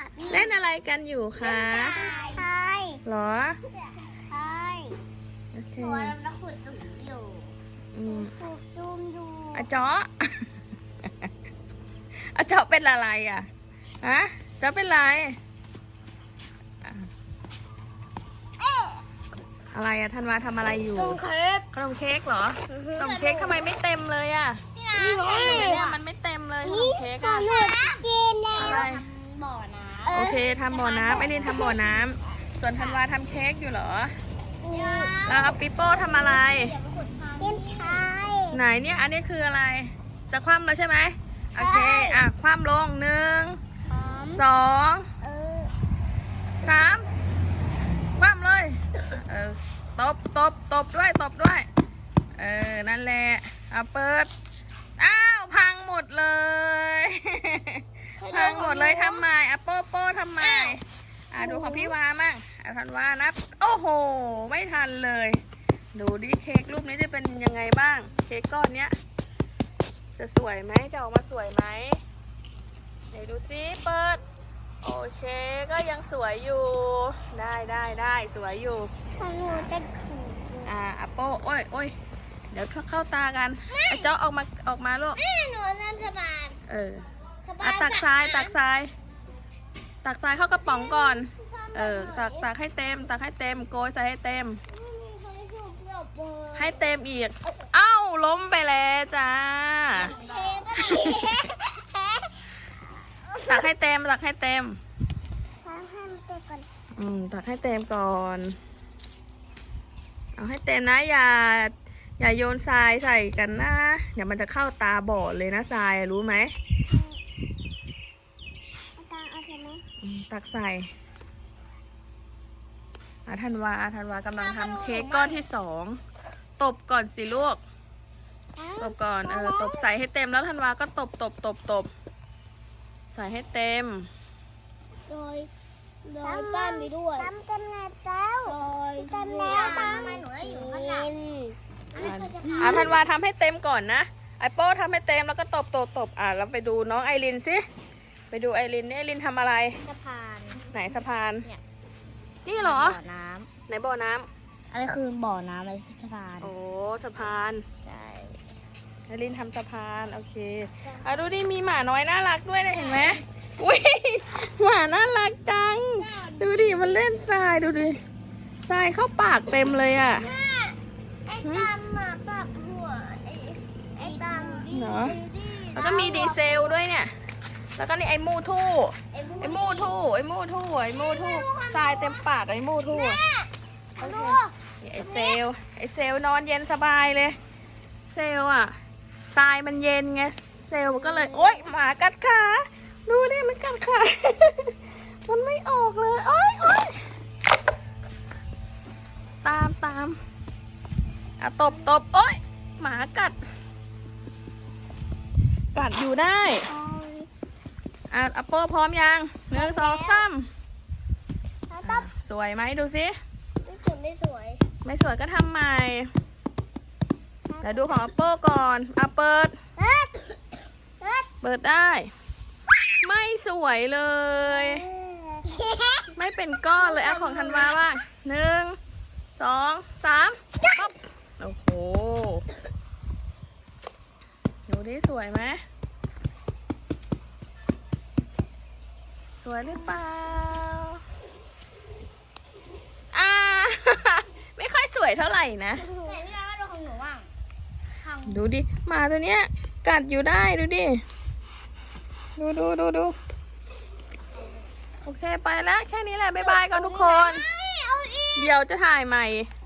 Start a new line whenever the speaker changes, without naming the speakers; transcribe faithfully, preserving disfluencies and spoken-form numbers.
เล่นอะไรกันอยู่คะ
ใช่
หรอ
ใช่
โอเค
หัวเราขุดตุ่มอยู่
อืม
ขุดตุ่มอยู่
อาเจาะ อาเจาะเป็นอะไรอ่ะฮะเจาะเป็นไรอ่ะอะไรอะธันวาทำอะไรอยู่
ตุ่มเค้ก
ขนมเค้กเหรอขนมเค้กทำไมไม่เต็มเลยอ่ะ
นี่นะ
เนี่ยมันไม่เต็มเลยขนมเค้ก
ข
อะ
นมกินแล้ว
อะไร
บ่อน้ำ
โอเคทำบ่อน้ำไอ้นี่ทำบ่อน้ำส่วนธันวาทำเค้กอยู่เหรอ แล้วเอาปิโป้ทำอะไร
เล่นไทย
ไหนเนี่ย อันนี้คืออะไร จะคว่ำแล้วใช่ไหมโอเค อ่ะ คว่ำลงหนึ่ง สอง
เออ
สาม คว่ำเลย เออ ตบ ตบ ตบด้วย ตบด้วย เออ นั่นแหละเอาเปิด อ้าว พังหมดเลย พังหมดเลยทำไมอ่ะโป้โป้ทำไม อ่ะดูของพี่วามั่งอ่ะทันวานับ โอ้โห ไม่ทันเลย ดูดิเค้กรูปนี้จะเป็นยังไงบ้าง เค้กก้อนเนี้ย จะสวยไหมจะออกมาสวยไหมไหนดูซิเปิด โอเคก็ยังสวยอยู่ ได้ได้ได้สวยอยู่
ของหนูจะขูด
อ่าอะโป้โอ้ยโอ้ยเดี๋ยวเข้าตากันไอ้เจ้าออกมาออกมาลูก
แม่หนูนั่นสบาย
เอออ่ะตักทรายตักทราย ตักทรายเข้ากระป๋องก่อน เออตักตักให้เต็ม ตักให้เต็มโกยใส่ให้เต็ม ให้เต็มอีก เอ้าล้มไปแล้วจ้า ตักให้เต็มตักให้เต็ม อืมตักให้เต็มก่อน เอาให้เต็มนะอย่า อย่าโยนทรายใส่กันนะเดี๋ยวมันจะเข้าตาบอดเลยนะทรายรู้ไหมอืมตักใส่อาธันวาอาธันวากำลังทำเค้กก้อนที่สองตบก่อนสิลูกตบก่อนเออตบใส่ให้เต็มแล้วธันวาก็ตบตบตบตบใส่ให้เต็ม
โดยโดยปั้นไปด้วยทำกันแล้วโดยทำแล้วทำไมหนูได้อยู่ข้างหลัง
อ่ะธันวาทำให้เต็มก่อนนะไอโป้ทำให้เต็มแล้วก็ตบตบตบอ่ะเราไปดูน้องไอรินสิไปดูไอรินนี่ไอรินทำอะไร
สะพาน
ไหนสะพาน
เนี่ย
นี่เหรอ
บ่อน้
ไหนบ่อน้ำ
ำอันนี้คือบ่อน้ำอะไรสะพาน
โอ้สะพาน
ใช่
ไอรินทำสะพานโอเคอ่ะดูดิมีหมาน้อยน่ารักด้วยนะเห็นไหมอุ้ยหมาน่ารักจังดูดิมันเล่นทรายดูดิทรายเข้าปากเต็มเลยอ่ะ
ไอ้ดำอ่ะปรับหัวไอ้ไอ้ดำ
เหรอ แล้วก็มีดีเซลด้วยเนี่ยแล้วก็นี่ไอมูทู่ไอมูทู่ไอมูทู่ไอมูทู่ทรายเต็มปากไอมูทู่
ดู
ไอเซลไอเซลนอนเย็นสบายเลยเซลอ่ะทรายมันเย็นไงเซลมันก็เลยโอ๊ยหมากัดขาดูดิมันกัดขา มันไม่ออกเลยโอ๊ยโอ๊ยตามตามอ่ะตบตบโอ๊ยหมากัดกัดอยู่ได้อ่ะอัปโป้พร้อมยังหนึ่งสองสาม
ต้อง
สวยไหมดูสิ
ไม่สวยไม่สวย
ไม่สวยก็ทำใหม่เดี๋ยวดูของอัปโป้ก่อนอ่ะเปิด
เอ๊ะเอ๊ะ
เปิดได้ ไม่สวยเลย ไม่เป็นก้อนเลยอ่ะของธันวาบ้างหนึ่งสองสามปั๊บโอ้โหดูดิสวยไหมสวยหรือเปล่าอ่า ไม่ค่อยสวยเท่าไหร่นะ
ไหนพี่ดามาดูของหนูบ้างของ
ดูดิหมาตัวเนี้ยกัดอยู่ได้ดูดิดูดูดูดูโอเคไปแล้วแค่นี้แหละบ๊ายบายก่อนทุกคน
เอาอีก
เดี๋ยวจะถ่ายใหม่